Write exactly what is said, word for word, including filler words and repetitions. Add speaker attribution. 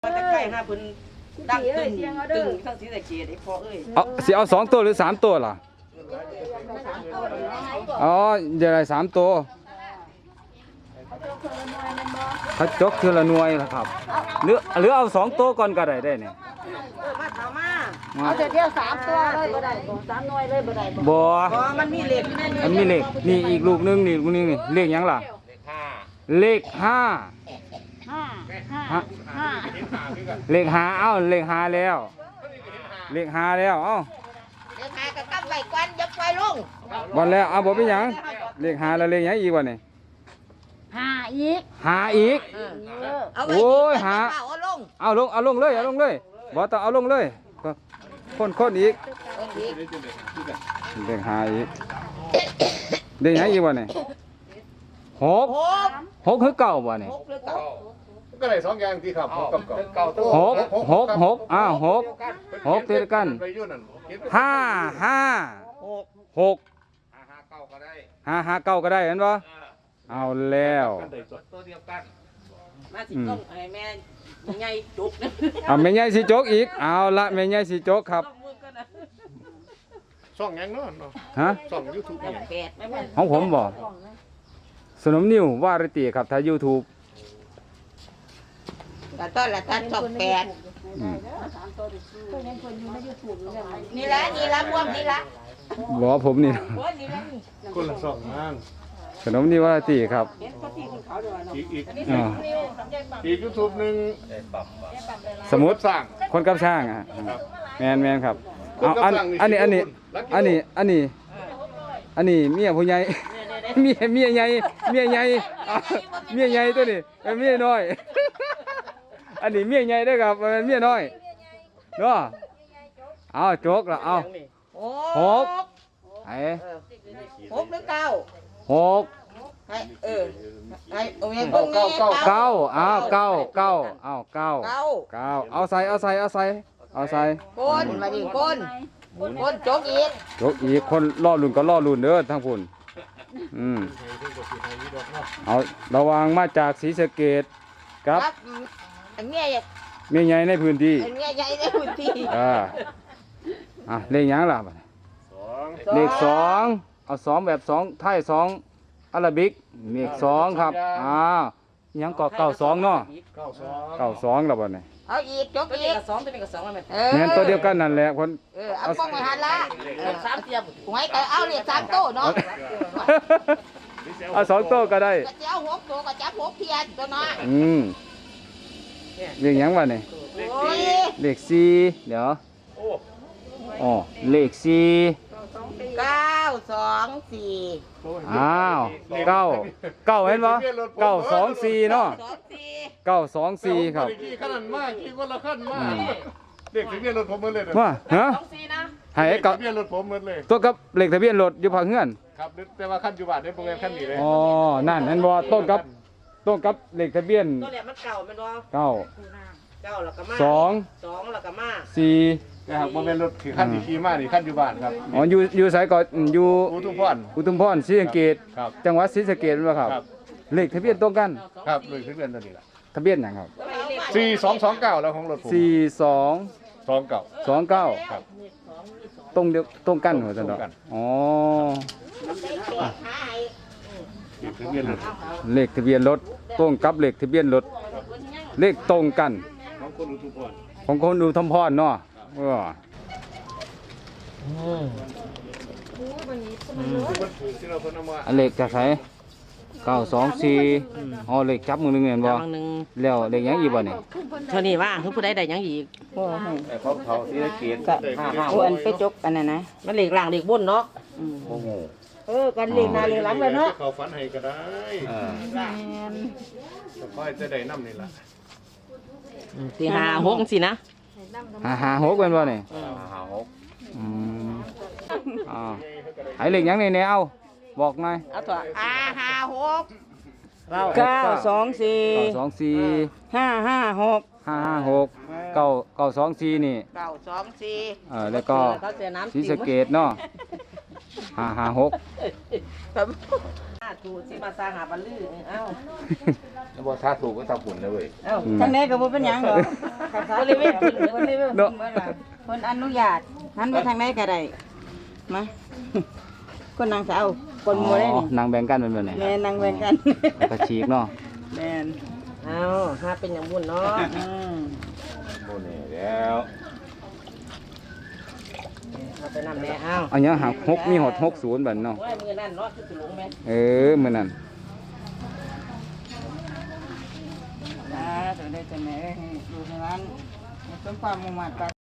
Speaker 1: แต่ไก่ห้าพื้นดังตึงตึงทั้งสีตะเกียบไอ้พ่อเอ้ย
Speaker 2: เอาสิเอาสองตัวหรือสามตัวล่ะอ๋อเดี๋ยวอะไรสามตัวเขาจกเทือละหน่วยล่ะครับหรือหรือเอาสองตัวก่อนก็ได้ได้เนี่ย
Speaker 1: มาถามมา
Speaker 3: เอาเดี๋ยวเดียวสามตัวเลยบ่ได้บ่สามหน่วยเลยบ่ได้บ่
Speaker 2: บ่
Speaker 1: มันมีเหล็กอยู่ในนี้
Speaker 2: มันมีเหล็กนี่อีกลูกนึงนี่ลูกนึงนี่เลขยังล่ะเลขห้า
Speaker 3: ห้าห้าห้า
Speaker 2: เลขห้าเอ้าเลขห้าแล้วเลขห้าแล้วเอ้า
Speaker 1: เลขห้าก็กำไว้ก่อนยับไว้ลง
Speaker 2: บอลแล้วเอาบ่เป็นหยังเลขห้าแล้วเลขยังอีกวะนี่
Speaker 3: ห้าอีก
Speaker 2: ห้าอีกโอ้ยหา
Speaker 1: เอาลง
Speaker 2: เอาลงเอาลงเลยเอาลงเลยบ่ต้องเอาลงเลยคนคนอีกเลขห้าอีกเลขยังอีกวะนี่หกหกคือเก่าบ่นี่
Speaker 4: ก็ได้สองอย่างที่ครับหกกับเก่า
Speaker 2: หกหกหกอ้าวหกหกติดกันห้าห้าหกห้าห้าเก้าก็ได้ห้าห้าเก้าก็ได้เห็นป่ะเอาแล้ว
Speaker 1: ตัวเดียวกันมาสิต้องให้แม่ใหญ่จุก
Speaker 2: เอาแม่ใหญ่สีโจกอีกเอาละแม่ใหญ่สีโจกครับ
Speaker 4: ช่องยังเนาะฮะช่องยูทูบ
Speaker 2: ของผมบ่สนมนิววาริตีครับถ้า YouTube
Speaker 1: แต่ต้นละท่านสองแปดนี่ละนี่ละพวกนี่ละ
Speaker 2: บ่ผมนี่
Speaker 4: คนละสองงาน
Speaker 2: สนมนิววาริตีครับ
Speaker 4: อีกอีกอีกยูทูบหนึ่ง
Speaker 2: สมุดสร้างคนกับช่างอ่ะแมนแมนครับเอาอันอันนี้อันนี้อันนี้อันนี้อันนี้เมียผู้ใหญ่เมียเมียใหญ่เมียใหญ่เมียใหญ่ตัวนี้เป็นเมียน้อยอันนี้เมียใหญ่ด้วยครับเป็นเมียน้อยเนาะเอาโจกละเอาหกไอ้
Speaker 1: หกหรือเก้า
Speaker 2: หก
Speaker 1: เออไอ้โอ้ย
Speaker 2: เก้าเก้าเก้าเอาเก้าเก้าเอาเก้าเก้าเอาใส่เอาใส่เอาใส่เอาใส่
Speaker 1: ก้นมาดิก้นก้นโจกอีก
Speaker 2: โจกอีกคนล่อลุ่นก็ล่อลุ่นเด้อทั้งพุ่นอืมเอาระวังมาจากศรีสะเกษครับ
Speaker 1: เมีย
Speaker 2: เมียใหญ่ในพื้นที่
Speaker 1: เมียใหญ่ในพื้นที่
Speaker 2: อ่าอ่ะเลขยังล่ะเลขสองเอาสองแบบสองไทยสองอาราบิกเลขสองครับอ้าวยังก็เก้าสองเนาะเก้าสองเก้าสองแล้วบ่เนี่ย
Speaker 1: เอาอีกจกอีกสองตัวนี้กับสองมัน
Speaker 2: แม่นตัวเดียวกันนั่นแหละคน
Speaker 1: เออเอาป้องไว้หันละสามเทียบหวยก็เอาเลขสามโต้เนาะ
Speaker 2: เอาสองโต้ก็ได้
Speaker 1: ก็จะเอาหกโต้ก็จับหกเทียนตัวเนาะ
Speaker 2: อืมเลขยังวะเนี่ยเลขสี่เดี๋ยวอ๋อเลขสี่
Speaker 1: เก้าสองสี่
Speaker 2: อ้าวเก้าเก้าเห็นปะเก้าสองสี่เนาะเก้าสองสี่ครับ
Speaker 4: ขนาดมากกี่คนละขั้นมากเด็กทะเบียนรถผมหมดเลย
Speaker 2: ว่าฮะ
Speaker 4: ให้กับทะเบียนรถผมหมดเลย
Speaker 2: ตัวกับเลขทะเบียนรถอยู่ภาคเฮือน
Speaker 4: ครับแต่ว่าขั้นอยู่บ้านในโปรแกรมขั้นนี้เลย
Speaker 2: อ๋อนั่นเห็นบ่ต้นกับต้นกับเลขทะเบียน
Speaker 1: ตัวเนี่ยมันเก่ามันว่า
Speaker 2: เก้า
Speaker 1: เก้าแล้วก็มา
Speaker 2: สอง
Speaker 1: สองแล้วก็มา
Speaker 2: สี่
Speaker 4: นะครับโปรแกรมรถคือขั้นที่ขี่มานี่ขั้นอยู่บ้านครับ
Speaker 2: อ๋ออยู่อยู่สายก่อนอยู่
Speaker 4: อุทุมพร
Speaker 2: อุทุมพรศรีสะเกษจังหวัดศรีสะเกษเป็นป่ะครับเลขทะเบียนตรงกัน
Speaker 4: ครับเลขทะเบียนตัวนี้แหละ
Speaker 2: ทะเบียนอย่างครับ
Speaker 4: สี่สองสองเก้าแล้วของรถผม
Speaker 2: สี่สอง
Speaker 4: สองเก้า
Speaker 2: สองเก้า
Speaker 4: ครับ
Speaker 2: ตรงเดียวตรงกันเหรอท่านอ๋อเลขทะเบียนรถตรงกับเลขทะเบียนรถเลขตรงกันของคนอุทุมพรของคนอุทุมพรเนาะเอออันเลขจะใส่เก้าสองสี่อ๋อเลขจับมือหนึ่งเห็นบ่แล้วเลขยังอีกบ่เนี่ย
Speaker 1: เท่านี้ว่าคือผู้ใดได้ยังอีก
Speaker 4: เขาเขาที่ได้เกียรติ
Speaker 3: ห้าห้าอันไปจกอันนั้นนะ
Speaker 1: มันเลขล่างเลขบนเนาะ
Speaker 4: โอ้โห
Speaker 1: เออกันเลขหน้าเลขหลังเลยเนาะ
Speaker 4: เขาฝันให้ก็ได้ค่อยจะได้น้ำนี่แหละ
Speaker 1: สี่ห้าหกสินะ
Speaker 2: ห้าห้าหกเป็นบ่เนี่ย
Speaker 4: ห้าหก
Speaker 2: อืมอ่าให้เลขยังในแนวบอกหน่อย
Speaker 1: เอาตัวห้าห้าหก
Speaker 3: เก้าสองสี่
Speaker 2: เก้าสองสี่
Speaker 3: ห้าห้าหก
Speaker 2: ห้าห้าหกเก้าเก้าสองสี่นี่
Speaker 1: เก้าสองสี่
Speaker 2: เออแล้วก็ศรีสะเกษเนาะห้าห้าหก
Speaker 1: ถูสิมาสร้างหาบัลลือเอ้า
Speaker 4: แล้วบ่ถ้าถูกก็ทำหุ่นนะเว้ย
Speaker 1: เอ้า
Speaker 3: ทางไหนก็บ่เป็นหยังหรอกบริเวณขึ้นบริเวณขึ้นเมื่อไหร่คนอนุญาตหันไปทางไหนก็ได้มาคนนางสาวคนโมได้
Speaker 2: อ๋อ
Speaker 3: นี่
Speaker 2: นางแบ่งกันเป็นแบบไหน
Speaker 3: แม่นางแบ่งกัน
Speaker 2: แล้วก็ฉีกเนาะ
Speaker 3: แม่น
Speaker 1: เอ้าหาเป็นอย่างบุญเนาะ
Speaker 3: อืม
Speaker 4: โน่นนี่แล้ว
Speaker 1: เอาไปนำแม่เอ้า
Speaker 2: อันนี้หักหกมีหดหกศูนย์แบบเนาะ
Speaker 1: โอ้ยมือนั่นเนาะคือสิลงแม่
Speaker 2: เออมื้อนั้น
Speaker 3: อ่าตัวได้ตัวไหนให้ดูในร้านสมความมุ่งมั่น